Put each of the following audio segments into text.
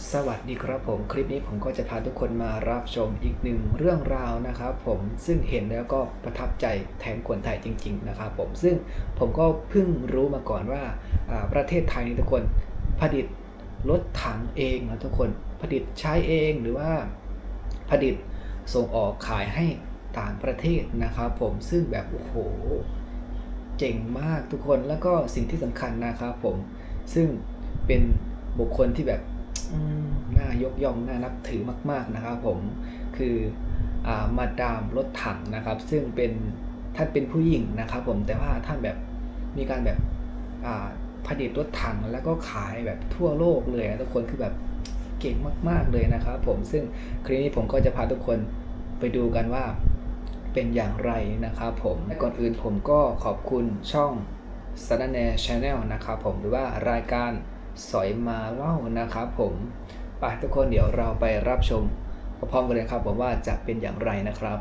สวัสดีครับผมคลิปนี้ผมก็จะพาทุกคนมารับชมอีกหนึ่งเรื่องราวนะครับผมซึ่งเห็นแล้วก็ประทับใจแทนคนไทยจริงๆนะครับผมซึ่งผมก็เพิ่งรู้มาก่อนว่าประเทศไทยทุกคนผลิตรถถังเองนะทุกคนผลิตใช้เองหรือว่าผลิตส่งออกขายให้ต่างประเทศนะครับผมซึ่งแบบโอ้โหเจ๋งมากทุกคนแล้วก็สิ่งที่สำคัญนะครับผมซึ่งเป็นบุคคลที่แบบน่ายกย่องน่านับถือมากๆนะครับผมคือมาดามรถถังนะครับซึ่งเป็นท่านเป็นผู้หญิงนะครับผมแต่ว่าท่านแบบมีการแบบผลิตรถถังแล้วก็ขายแบบทั่วโลกเลยทุกคนคือแบบเก่งมากๆเลยนะครับผมซึ่งคลิปนี้ผมก็จะพาทุกคนไปดูกันว่าเป็นอย่างไรนะครับผมก่อนอื่นผมก็ขอบคุณช่องสารแหน่ Channel นะครับผมหรือว่ารายการสอยมาเล่านะครับผมไปทุกคนเดี๋ยวเราไปรับชมพร้อมๆกันเลยครับผมว่าจะเป็นอย่างไรนะครับ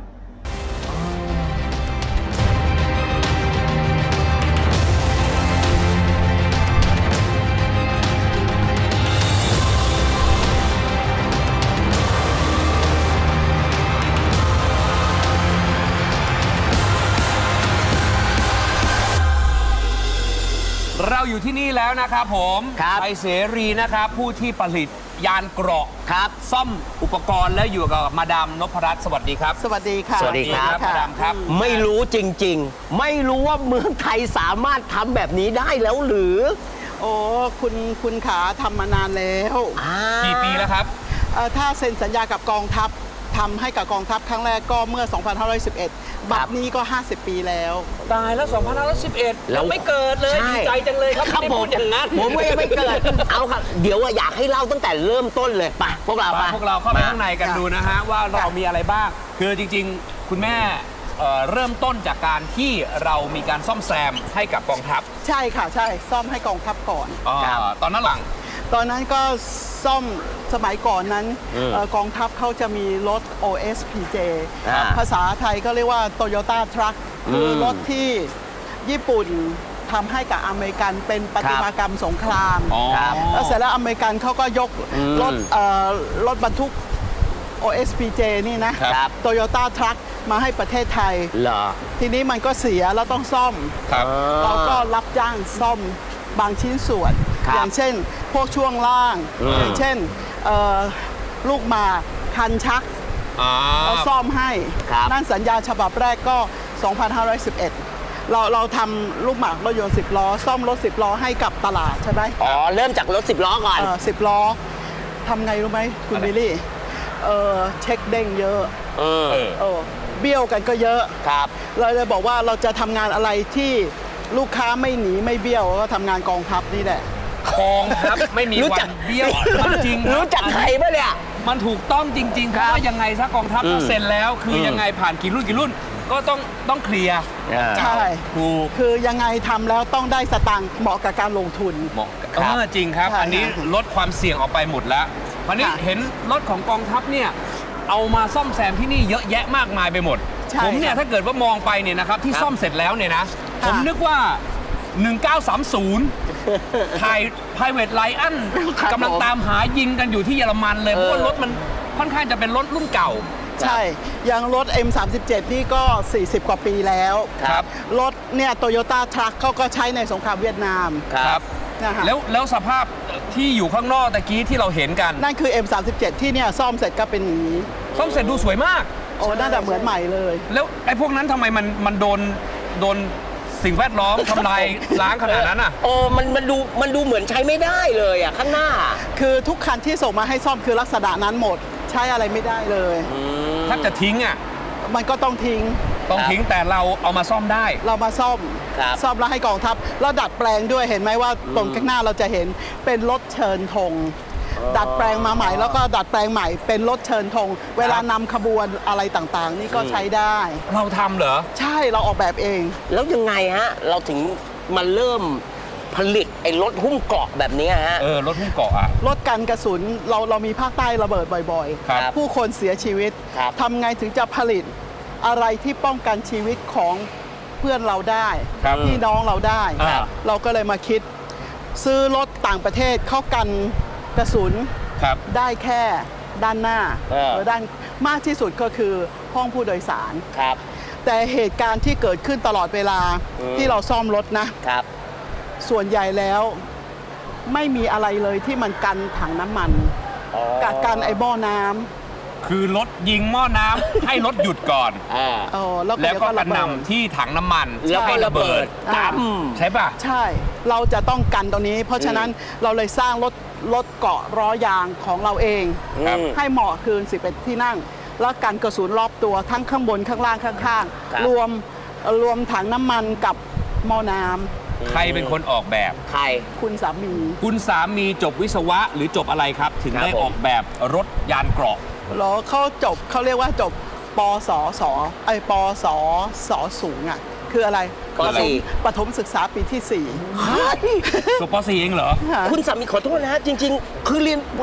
เราอยู่ที่นี่แล้วนะครับผมไทยเสรีนะครับผู้ที่ผลิตยานเกราะครับซ่อมอุปกรณ์แล้วอยู่กับมาดามนพรัตน์สวัสดีครับสวัสดีค่ะสวัสดีครับมาดามครับไม่รู้จริงๆไม่รู้ว่าเมืองไทยสามารถทำแบบนี้ได้แล้วหรือโอ้คุณขาทำมานานแล้วกี่ปีแล้วครับถ้าเซ็นสัญญากับกองทัพทำให้กับกองทัพครั้งแรกก็เมื่อ 2511 บัดนี้ก็ 50 ปีแล้วตายแล้ว 2511เราไม่เกิดเลยดีใจจังเลยครับไม่ได้พูดอย่างนั้นผมไม่ไม่เกิดเอาครับเดี๋ยวอยากให้เล่าตั้งแต่เริ่มต้นเลยไปพวกเราเข้าไปข้างในกันดูนะฮะว่าเรามีอะไรบ้างคือจริงๆคุณแม่เริ่มต้นจากการที่เรามีการซ่อมแซมให้กับกองทัพใช่ค่ะใช่ซ่อมให้กองทัพก่อนตอนนั้นหลังตอนนั้นก็ซ่อมสมัยก่อนนั้นกองทัพเขาจะมีรถ OSPJ ภาษาไทยก็เรียกว่า Toyota Truck คือรถที่ญี่ปุ่นทำให้กับอเมริกันเป็นประติมากรรมสงครามแล้วเสร็จแล้วอเมริกันเขาก็ยกรถบรรทุก OSPJ นี่นะ Toyota Truck มาให้ประเทศไทยทีนี้มันก็เสียแล้วต้องซ่อมเราก็รับจ้างซ่อมบางชิ้นส่วนอย่างเช่นพวกช่วงล่างอย่างเช่นลูกหมากคันชักเราซ่อมให้นั่นสัญญาฉบับแรกก็ 2511 เราทำลูกหมากรถยนต์10 ล้อซ่อมรถ10 ล้อให้กับตลาดใช่ไหมเริ่มจากรถ10 ล้อก่อน 10 ล้อทำไงรู้ไหมคุณบิลลี่เช็คเด้งเยอะเบี้ยวกันก็เยอะเราเลยบอกว่าเราจะทำงานอะไรที่ลูกค้าไม่หนีไม่เบี้ยวก็ทำงานกองทัพนี่แหละกองทัพไม่มีวันเบี้ยวจริงรู้จักใครป่ะเนี่ยมันถูกต้องจริงๆเพราะว่ายังไงถ้ากองทัพเซ็นแล้วคือยังไงผ่านกี่รุ่นก็ต้องเคลียร์ใช่คือยังไงทำแล้วต้องได้สตางค์เหมาะกับการลงทุนเหมาะจริงครับอันนี้ลดความเสี่ยงออกไปหมดแล้ววันนี้เห็นรถของกองทัพเนี่ยเอามาซ่อมแซมที่นี่เยอะแยะมากมายไปหมดผมเนี่ยถ้าเกิดว่ามองไปเนี่ยนะครับที่ซ่อมเสร็จแล้วเนี่ยนะผมนึกว่า1930ถ่าย Private Lion กำลังตามหายิงกันอยู่ที่เยอรมันเลยเพราะว่ารถมันค่อนข้างจะเป็นรถรุ่นเก่าใช่อย่างรถ M37 นี่ก็40 กว่าปีแล้วรถเนี่ยโตโยต้าทรัคเขาก็ใช้ในสงครามเวียดนามครับแล้วสภาพที่อยู่ข้างนอกตะกี้ที่เราเห็นกันนั่นคือ M37 ที่เนี่ยซ่อมเสร็จก็เป็นอย่างนี้ซ่อมเสร็จดูสวยมากโอ้น่าจะเหมือนใหม่เลยแล้วไอ้พวกนั้นทำไมมันโดนสิ่งแวดล้อมทำลายล้างขนาดนั้นอ่ะมันดูเหมือนใช้ไม่ได้เลยอ่ะข้างหน้าคือทุกคันที่ส่งมาให้ซ่อมคือลักษณะนั้นหมดใช้อะไรไม่ได้เลยถ้าจะทิ้งอ่ะมันก็ต้องทิ้งแต่เราเอามาซ่อมได้เรามาซ่อมแล้วให้กองทัพแล้วดัดแปลงด้วยเห็นไหมว่าตรงข้างหน้าเราจะเห็นเป็นรถเชิญธงดัดแปลงมาใหม่แล้วก็ดัดแปลงใหม่เป็นรถเชิญธงเวลานำขบวนอะไรต่างๆนี่ก็ใช้ได้เราทำเหรอใช่เราออกแบบเองแล้วยังไงฮะเราถึงมาเริ่มผลิตไอ้รถหุ้มเกราะแบบนี้ฮะรถหุ้มเกราะอะรถกันกระสุนเรามีภาคใต้ระเบิดบ่อยๆผู้คนเสียชีวิตทำไงถึงจะผลิตอะไรที่ป้องกันชีวิตของเพื่อนเราได้พี่น้องเราได้เราก็เลยมาคิดซื้อรถต่างประเทศเข้ากันกระสุนครับได้แค่ด้านหน้าหรือด้านมากที่สุดก็คือห้องผู้โดยสารครับแต่เหตุการณ์ที่เกิดขึ้นตลอดเวลาที่เราซ่อมรถนะครับส่วนใหญ่แล้วไม่มีอะไรเลยที่มันกันถังน้ำมันกับกันไอ้หม้อน้ำคือรถยิงหม้อน้ำ ให้รถหยุดก่อนแล้วแล้วก็กระระเบิดนำที่ถังน้ำมันแล้วก็ให้ระเบิดตั้มใช่ป่ะใช่ เราจะต้องกันตรงนี้ เพราะฉะนั้นเราเลยสร้างรถเกาะล้อยางของเราเองครับให้เหมาะคืน11ที่นั่ง แล้วกันกระสุนรอบตัวทั้งข้างบนข้างล่างข้างครับๆรวมถังน้ำมันกับหม้อน้ำใครเป็นคนออกแบบใครคุณสามีคุณสามีจบวิศวะหรือจบอะไรครับ ถึงครับได้ผมออกแบบรถยานเกราะแล้วเขาเรียกว่าจบปสสปสสสูงอ่ะคืออะไรปสี่ประถมศึกษาปีที่จบป .4 เองเหรอ 4 คุณสามีขอโทษนะฮะจริง ๆ คือเรียนป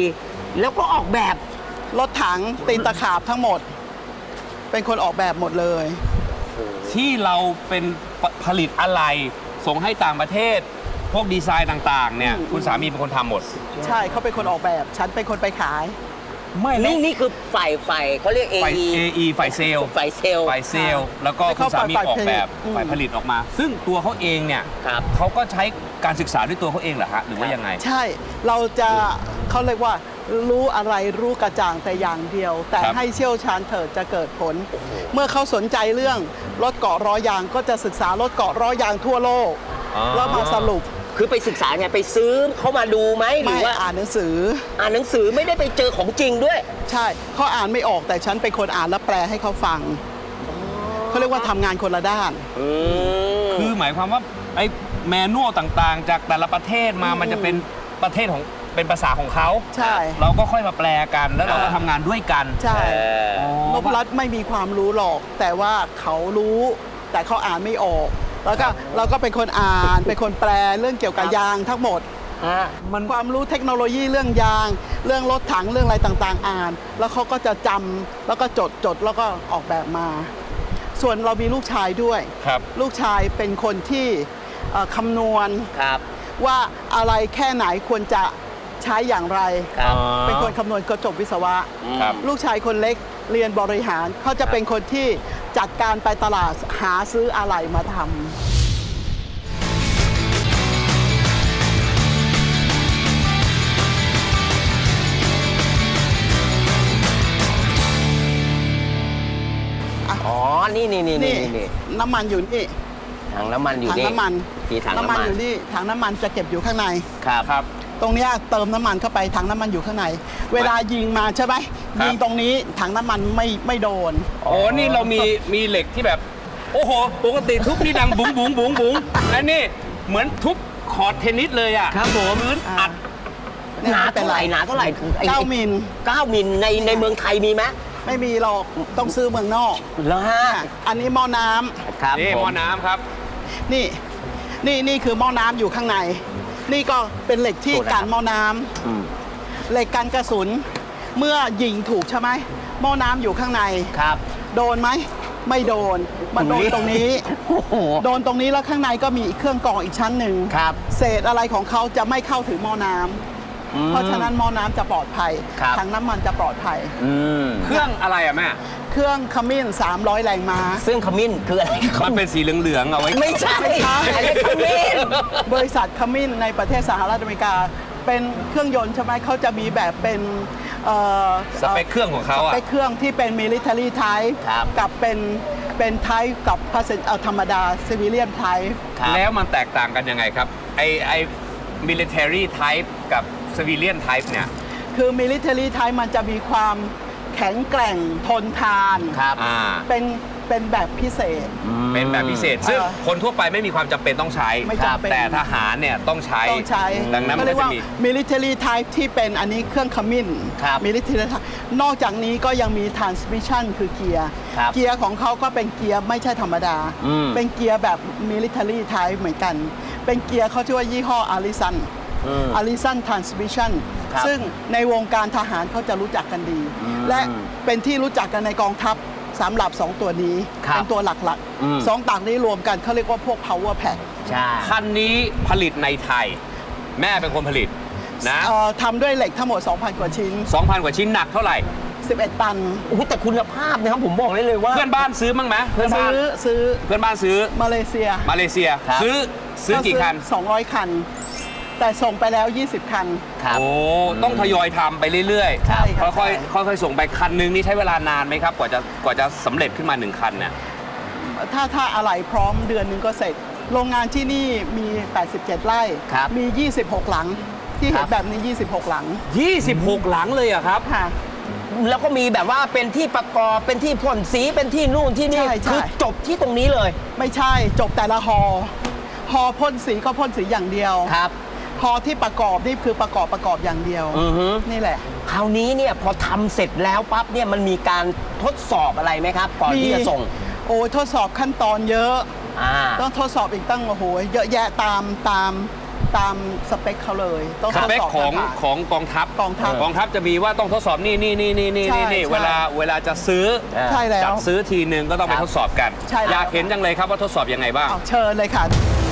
.4 แล้วก็ออกแบบรถถังตีนตะขาบทั้งหมด เป็นคนออกแบบหมดเลยที่เราเป็นผลิตอะไรส่งให้ต่างประเทศ พวกดีไซน์ต่างๆเนี่ยคุณสามีเป็นคนทำหมดใช่เขาเป็นคนออกแบบ ฉันเป็นคนไปขายไม่แล้วนี่คือฝ่ายเขาเรียกฝ่าย AE AE ฝ่ายเซลล์ฝ่ายเซลล์ฝ่ายเซลล์แล้วก็แล้วคุก็ณสามีฝ่ายออกแบบผลิตฝ่ายผลิตออกมา ซึ่งตัวเขาเองเนี่ยครับเขาก็ใช้การศึกษาด้วยตัวเขาเองเหรอฮะหรือว่ายังไงใช่ เราจะเขาเรียกว่ารู้อะไรรู้กระจ่างแต่อย่างเดียว แต่ครับให้เชี่ยวชาญเถิดจะเกิดผล เมื่อเขาสนใจเรื่องรถเกาะล้อยางก็จะศึกษารถเกาะล้อยางทั่วโลก แล้วมาสรุปคือไปศึกษาไงไปซื้อเขามาดูไหมหรืไม่อว่าอ่านหนังสืออ่านหนังสือไม่ได้ไปเจอของจริงด้วยใช่เขาอ่านไม่ออกแต่ฉันเป็นคนอ่านและแปลให้เขาฟังเขาเรียกว่าทำงานคนละด้านคือหมายความว่าไอ้แมนนวลต่างๆ จากแต่ละประเทศมามันจะเป็นประเทศของเป็นภาษาของเขาใช่เราก็ค่อยมาแปลกันแล้วเราก็ทำงานด้วยกันใช่อ๋นอพรัตน์ไม่มีความรู้หรอก แต่ว่าเขารู้แต่เขาอ่านไม่ออก แล้วก็เราก็เป็นคนอ่าน เป็นคนแปลเรื่องเกี่ยวกับยางทั้งหมดมันความรู้เทคโนโลยีเรื่องยาง เรื่องรถถังเรื่องอะไรต่างๆอ่าน แล้วเขาก็จะจำแล้วก็จดแล้วก็ออกแบบมา ส่วนเรามีลูกชายด้วยครับลูกชายเป็นคนที่คำนวณครับว่าอะไรแค่ไหนควรจะใช้อย่างไรครับเป็นคนคำนวณก็จบวิศวะครับลูกชายคนเล็กเรียนบริหารเขาจะเป็นคนที่จัดการไปตลาดหาซื้ออะไรมาทำอ๋อ นี่นี่น้ำมันอยู่นี่ถังน้ำมันอยู่ถังนี่น้ำมันมีถังน้ำมันอยู่นี่ถังน้ำมันจะเก็บอยู่ข้างในครับครับตรงเนี้ยเติมน้ำมันเข้าไปถังน้ำมันอยู่ข้างใน เวลายิงมาใช่ไหมครับยิงตรงนี้ถังน้ำมันไม่โดนโอ้นี่เรามีเหล็กที่แบบ โอ้โห ปกติทุบนี่ดังบุ๋งบุ๋งบุ๋งบุ๋งอันนี้เหมือนทุบคอร์ดเทนนิสเลยอ่ะครับผมพื้นอัดหนาเท่าไหร่ไอ้ 9 มิล 9 มิลในเมืองไทยมีไหมไม่มีหรอกต้องซื้อเมืองนอกแล้วฮะอันนี้หม้อน้ำครับนี่ผหม้อน้ำครับนี่คือหม้อน้ำอยู่ข้างใน นี่ก็เป็นเหล็กที่กันหม้อน้ำอืมเหล็กกันกระสุน เมื่อยิงถูกใช่ไหมหม้อน้ำอยู่ข้างในครับโดนไหมไม่โดนมันโดนตรงนี้โอ้โหโดนตรงนี้แล้วข้างในก็มีเครื่องกรองอีกชั้นหนึ่งครับเศษอะไรของเขาจะไม่เข้าถึงหม้อน้ำอืมเพราะฉะนั้นหม้อน้ำจะปลอดภัยครับถังน้ำมันจะปลอดภัยอืมเครื่องอะไรอ่ะแม่เครื่องขมิ้น300 แรงม้าซึ่งขมิ้นคืออะไรมันเป็นสีเหลืองๆเอาไว้ไม่ใช่ไม่ใช่อันนี้ขมิ้นบริษัทขมิ้นในประเทศสหรัฐอเมริกา เป็นเครื่องยนต์ใช่ไหมเขาจะมีแบบเป็นสเปคเครื่องของเขาสอ่ะเปคเครื่องที่เป็น military type ครับกับเป็น type กับ ธรรมดา civilian type ครับแล้วมันแตกต่างกันยังไงครับ ไอ military type กับ civilian type เนี่ยคือ military type มันจะมีความแข็งแกร่งทนทานครับเป็นแบบพิเศษเป็นแบบพิเศษ ซึ่งเออคนทั่วไปไม่มีความจำเป็นต้องใช้ไม่จำเป็นแต่ทหารเนี่ยต้องใช้ต้องใช้ดังนั้นมันเรีก็ยกจะว่ามี military type ที่เป็นอันนี้เครื่องขมิ้นครับ military type นอกจากนี้ก็ยังมี transmission คือเกียร์ครับเกียร์ของเขาก็เป็นเกียร์ไม่ใช่ธรรมดาอืมเป็นเกียร์แบบ military type เหมือนกัน เป็นเกียร์เขาชื่อว่ายี่ห้อ Allison อืม Allison Transmission ครับซึ่งในวงการทหารเขาจะรู้จักกันดี และเป็นที่รู้จักกันในกองทัพสำหรับ 2 ตัวนี้ครับเป็นตัวหลักอืมๆ 2ต่างนี้รวมกันเขาเรียกว่าพวก power pack ใช่คันนี้ผลิตในไทย แม่เป็นคนผลิตนะทำด้วยเหล็กทั้งหมด 2,000 กว่าชิ้น 2,000 กว่าชิ้นหนักเท่าไหร่ 11 ตันโอ้โหแต่คุณภาพนะครับผมบอกได้เลยว่าเพื่อนบ้านซื้อมั้งไหมเพื่อนบ้านซื้อเพื่อนบ้านซื้อมาเลเซียมาเลเซียครับซื้อกี่คัน 200 คัน แต่ส่งไปแล้ว 20 คันครับโอ้ต้องทยอยทำไปเรื่อยใช่ครับค่อยใช่ๆค่อยๆส่งไปคันนึงนี่ใช้เวลานานไหมครับกว่าจะสำเร็จขึ้นมา1คันเนี่ยถ้าอะไรพร้อมเดือนหนึงก็เสร็จ โรงงานที่นี่มี 87 ไร่ครับมี 26 หลัง ที่เห็นแบบนี้ 26 หลัง 26 หลังเลยอะครับค่ะแล้วก็มีแบบว่าเป็นที่ประกอบเป็นที่พ่นสีเป็นที่นู่นที่นี่ใช่ใช่คือจบที่ตรงนี้เลยไม่ใช่จบแต่ละฮอพ่นสีก็พ่นสีอย่างเดียวครับฮอที่ประกอบนี่คือประกอบอย่างเดียวอือฮึนี่แหละคราวนี้เนี่ยพอทำเสร็จแล้วปั๊บเนี่ยมันมีการทดสอบอะไรไหมครับ ก่อนที่จะส่งโอ้ยทดสอบขั้นตอนเยอะอ่าต้องทดสอบอีกตั้งโอ้โหเยอะแยะตามสเปคเขาเลย ต้องสทดเปคสอบของผ่านของกองทัพกองทัพจะมีว่าต้องทดสอบนี่ใช่นี่ใช่เวลาจะซื้อใช่แล้วจัดซื้อทีนึงก็ต้องไปครับทดสอบกันใช่แล้วอยากเห็นจังเลยครับว่าทดสอบยังไงบ้างเอาเชิญเลยค่ะ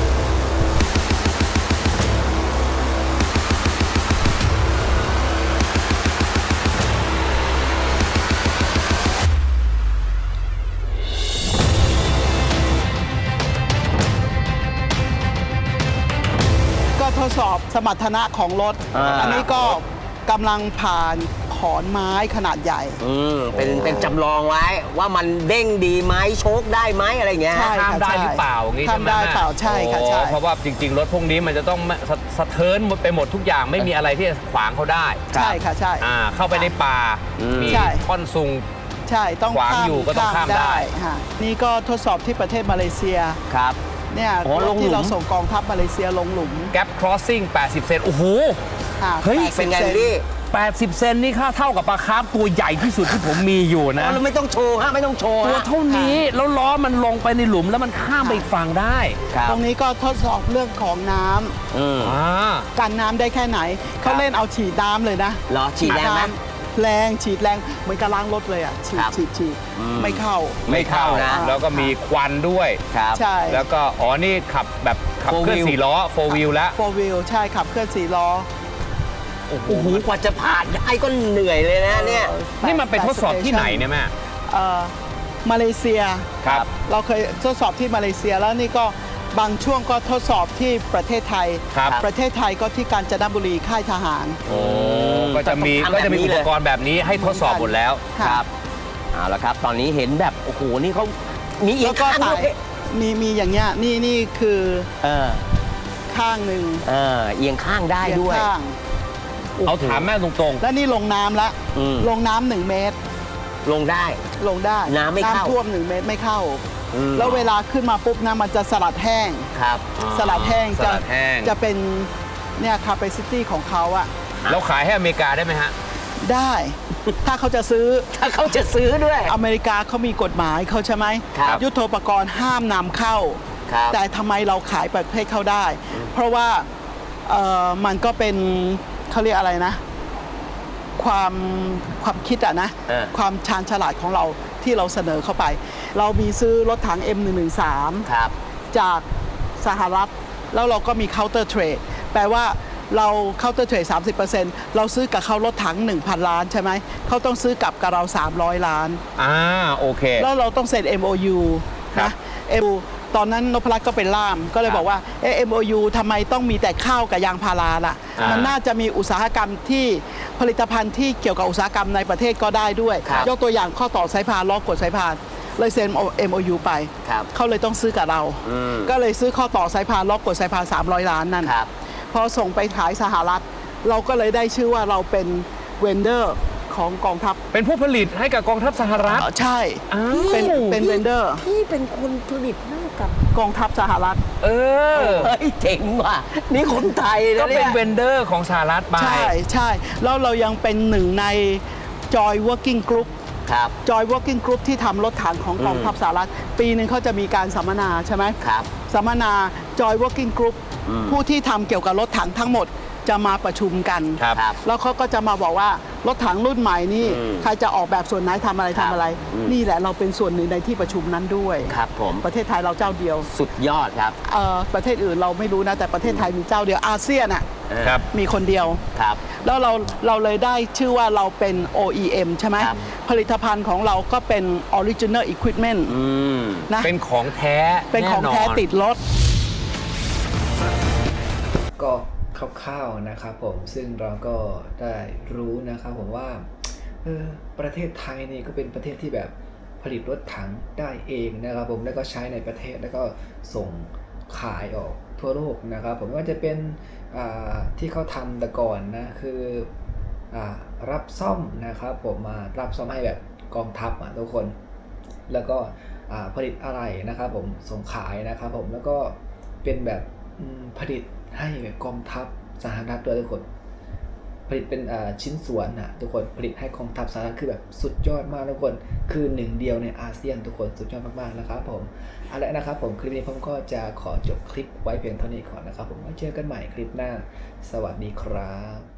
ก็ทดสอบสมรรถนะของรถ อันนี้ก็กำลังผ่านขอนไม้ขนาดใหญ่เป็นจำลองไว้ว่ามันเด้งดีไหมโชคได้ไหมอะไรอย่างเงี้ยใช่ข้ามได้หรือเปล่าอย่างงี้ใช่ไหมข้ามได้เปล่าใช่ค่ะใช่โอ้เพราะว่าจริง ๆ รถพวกนี้มันจะต้องสะเทินหมดไปหมดทุกอย่างไม่มีอะไรที่จะขวางเขาได้ใช่ค่ะใช่เข้าไปในป่า มีใช่ท่อนซุงใช่ต้องขวางอยู่ก็ต้องข้ามได้ค่ะนี่ก็ทดสอบที่ประเทศมาเลเซียครับเนี่ยอ๋อลงหลุมที่เราส่งกองทัพมาเลเซียลงหลุม Gap Crossing 80 เซนโอ้โหค่ะเฮ้ย 80 เป็นไงซพี่ 80 เซนนี่ค่าเท่ากับปลาคาร์ฟตัวใหญ่ที่สุดที่ผมมีอยู่นะเราไม่ต้องโชว์ฮะไม่ต้องโชว์ตัวฮะเท่านี้แล้วล้อมันลงไปในหลุมแล้วมันข้ามไปอีกฝั่งได้ครับตรงนี้ก็ทดสอบเรื่องของน้ำอืมกันน้ำได้แค่ไหน เขาเล่นเอาฉีดน้ำเลยนะเหรอฉีดแรงไหมน้ำแรงฉีดแรงเหมือนกับล้างรถเลยอ่ะฉีดครับฉีดอืมไม่เข้าไม่เข้าไม่เข้านะแล้วก็มีควันด้วยครับใช่แล้วก็นี่ขับแบบขับ Four เคลื่อน wheel 4 ล้อ 4 wheel แล้วโฟวิลใช่ขับเคลื่อน4 ล้อโอ้โหโอ้โหกว่าจะผ่านได้ก็เหนื่อยเลยนะเนี่ยนี่มันไปทดสอบที่ไหนเนี่ยแม่มาเลเซียครับเราเคยทดสอบที่มาเลเซียแล้วนี่ก็บางช่วงก็ทดสอบที่ประเทศไทยครับประเทศไทยก็ที่กาญจนบุรีค่ายทหารโอ้ก็จะมีต้องทำแบบนี้อุปกรณ์แบบนี้ให้ทดสอบหมดแล้วค่ะครับเอาละครับ ตอนนี้เห็นแบบโอ้โหนี่เขามีอีแล้กวก็ข้างถ่าด้วย ยมีอย่างเงี้ยนี่คือเออข้างหนึ่งเอียงข้างได้ด้วยข้างเอาถามแม่ตรงแล้วนี่ลงน้ำละอืมลงน้ำ1 เมตรลงได้ลงได้น้ำไม่เข้าท่วม1 เมตรไม่เข้าอืมแล้วเวลาขึ้นมาปุ๊บนะมันจะสลัดแห้งครับสลัดแห้งสลัดแห้งจะเป็นเนี่ย capacity ของเขาอะเราขายให้อเมริกาได้ไหมฮะได้ ถ้าเขาจะซื้อถ้าเขาจะซื้อด้วยอเมริกาเขามีกฎหมายเขาใช่ไหมครับยุทโธปกรณ์ห้ามนำเข้าครับแต่ทำไมเราขายประเทศเขาได้ เพราะว่ามันก็เป็นเขาเรียกอะไรนะ ความคิดอะนะ ความชาญฉลาดของเราที่เราเสนอเข้าไป เรามีซื้อรถถัง M113 ครับจากสหรัฐ แล้วเราก็มี counter trade แปลว่าเรา counter trade 30%เราซื้อกับเขารถถัง 1,000 ล้านใช่ไหม เขาต้องซื้อกลับกับเรา 300 ล้านโอเคแล้วเราต้องเซ็น MOU ครับนะ MOU ตอนนั้นนพรัตน์ก็เป็นล่าม ก็เลยบอกว่าMOU ทำไมต้องมีแต่ข้าวกับยางพาราล่ะ มันน่าจะมีอุตสาหกรรมที่ผลิตภัณฑ์ที่เกี่ยวกับอุตสาหกรรมในประเทศก็ได้ด้วยครับยกตัวอย่างข้อต่อสายพานล้อกดสายพาน เลยเซ็น MOU ไปครับเขาเลยต้องซื้อกับเรา ก็เลยซื้อข้อต่อสายพานล้อกดสายพาน300 ล้านนั่นครับพอส่งไปขายสหรัฐ เราก็เลยได้ชื่อว่าเราเป็นเวนเดอร์ของกองทัพเป็นผู้ผลิตให้กับกองทัพสหรัฐใช่อ้าวเป็นเวนเดอร์พี่เป็นคนผลิตให้กับกองทัพสหรัฐเออเฮ้ยเจ๋งว่ะนี่คนไทยก็นะเป็เนี่นยเวนเดอร์ของสหรัฐไปใช่ใช่แล้วเรายังเป็นหนึ่งใน Joy Working Group ครับ Joy Working Group ที่ทำรถถังของกองทัพสหรัฐ ปีหนึ่งเขาจะมีการสัมมนาใช่ไหมครับสัมมนา Joy Working Group ผู้ที่ทำเกี่ยวกับรถถังทั้งหมดจะมาประชุมกันครับครับแล้วเขาก็จะมาบอกว่ารถถังรุ่นใหม่นี่ใครจะออกแบบส่วนไหนทำอะไรครับทำอะไร นี่แหละเราเป็นส่วนหนึ่งในที่ประชุมนั้นด้วยครับผมประเทศไทยเราเจ้าเดียวสุดยอดครับประเทศอื่นเราไม่รู้นะแต่ประเทศไทยมีเจ้าเดียวอาเซียนอ่ะครับมีคนเดียวครับแล้วเราเลยได้ชื่อว่าเราเป็น OEM ใช่ไหมครับผลิตภัณฑ์ของเราก็เป็น Original Equipment นะเป็นของแท้เป็นของแท้น่นนติดรถก็คร่าวๆนะครับผมซึ่งเราก็ได้รู้นะครับผมว่าประเทศไทยนี่ก็เป็นประเทศที่แบบผลิตรถถังได้เองนะครับผมแล้วก็ใช้ในประเทศแล้วก็ส่งขายออกทั่วโลกนะครับผมว่าจะเป็นที่เขาทำแต่ก่อนนะคือรับซ่อมนะครับผมมารับซ่อมให้แบบกองทัพทุกคนแล้วก็ผลิตอะไรนะครับผมส่งขายนะครับผมแล้วก็เป็นแบบผลิตให้กองทัพสหรัฐด้วยทุกคนผลิตเป็นชิ้นส่วนทุกคนผลิตให้กองทัพสหรัฐคือแบบสุดยอดมากทุกคนคือหนึ่งเดียวในอาเซียนทุกคนสุดยอดมากๆนะครับผมเอาละนะครับผมคลิปนี้ผมก็จะขอจบคลิปไว้เพียงเท่านี้ก่อนนะครับผมไว้เจอกันใหม่คลิปหน้าสวัสดีครับ